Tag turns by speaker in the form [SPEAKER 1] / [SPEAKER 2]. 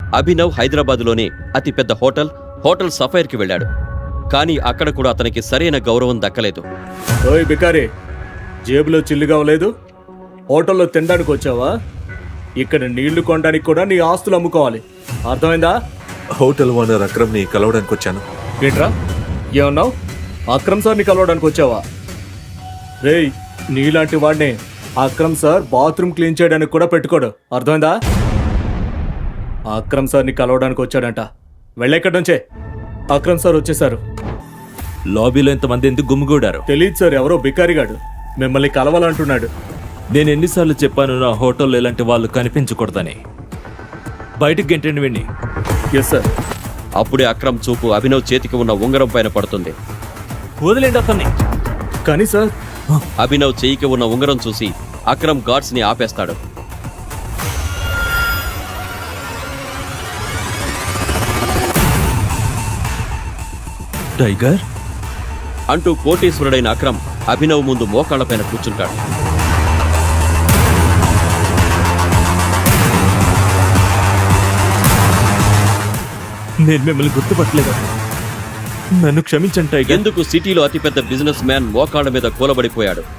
[SPEAKER 1] అభినవ్ హైదరాబాదులోని అతిపెద్ద హోటల్ సఫైర్కి వెళ్ళాడు. కానీ అక్కడ కూడా అతనికి సరైన గౌరవం దక్కలేదు.
[SPEAKER 2] ఓయ్ బికారి, జేబులో చిల్లుగా లేదు, హోటల్లో తినడానికి వచ్చావా? ఇక్కడ నీళ్లు కొనడానికి కూడా నీ ఆస్తులు అమ్ముకోవాలి, అర్థమైందా?
[SPEAKER 3] హోటల్ ఓనర్ అక్రమ్ని కలవడానికి వచ్చాను.
[SPEAKER 2] ఏంట్రా ఏమన్నావు? అక్రమ్ సార్ని కలవడానికి వచ్చావా? రేయ్, నీలాంటి వాడిని అక్రమ్ సార్ బాత్రూమ్ క్లీన్ చేయడానికి కూడా పెట్టుకోడు, అర్థమైందా? అక్రమ్ సార్ని కలవడానికి వచ్చాడంట. వెళ్ళెక్కడి నుంచే. అక్రమ్ సార్ వచ్చేసారు.
[SPEAKER 4] లాబీలో ఎంతమంది ఎందుకు గుమ్మిగూడారు?
[SPEAKER 2] తెలియదు సార్, ఎవరో బికారిగాడు మిమ్మల్ని కలవాలంటున్నాడు.
[SPEAKER 4] నేను ఎన్నిసార్లు చెప్పాను నా హోటల్లో ఇలాంటి వాళ్ళు కనిపించకూడదని. బయటికి గెంటండి విని.
[SPEAKER 2] Yes sir.
[SPEAKER 1] అప్పుడే అక్రమ్ చూపు అభినవ్ చేతికి ఉన్న ఉంగరం పైన పడుతుంది.
[SPEAKER 4] వదిలేండి అతన్ని.
[SPEAKER 2] కానీ సార్,
[SPEAKER 1] అభినవ్ చెయ్యికి ఉన్న ఉంగరం చూసి అక్రమ్ గార్డ్స్ ని ఆపేస్తాడు.
[SPEAKER 4] టైగర్
[SPEAKER 1] అంటూ కోటీశ్వరుడైన అక్రమ్ అభినవ్ ముందు మోకాళ్లపైన కూర్చుంటాడు.
[SPEAKER 4] నేను మిమ్మల్ని గుర్తుపట్టలేదు, నన్ను క్షమించండి టైగర్.
[SPEAKER 1] ఎందుకు సిటీలో అతిపెద్ద బిజినెస్ మ్యాన్ మోకాళ్ల మీద కూలబడిపోయాడు.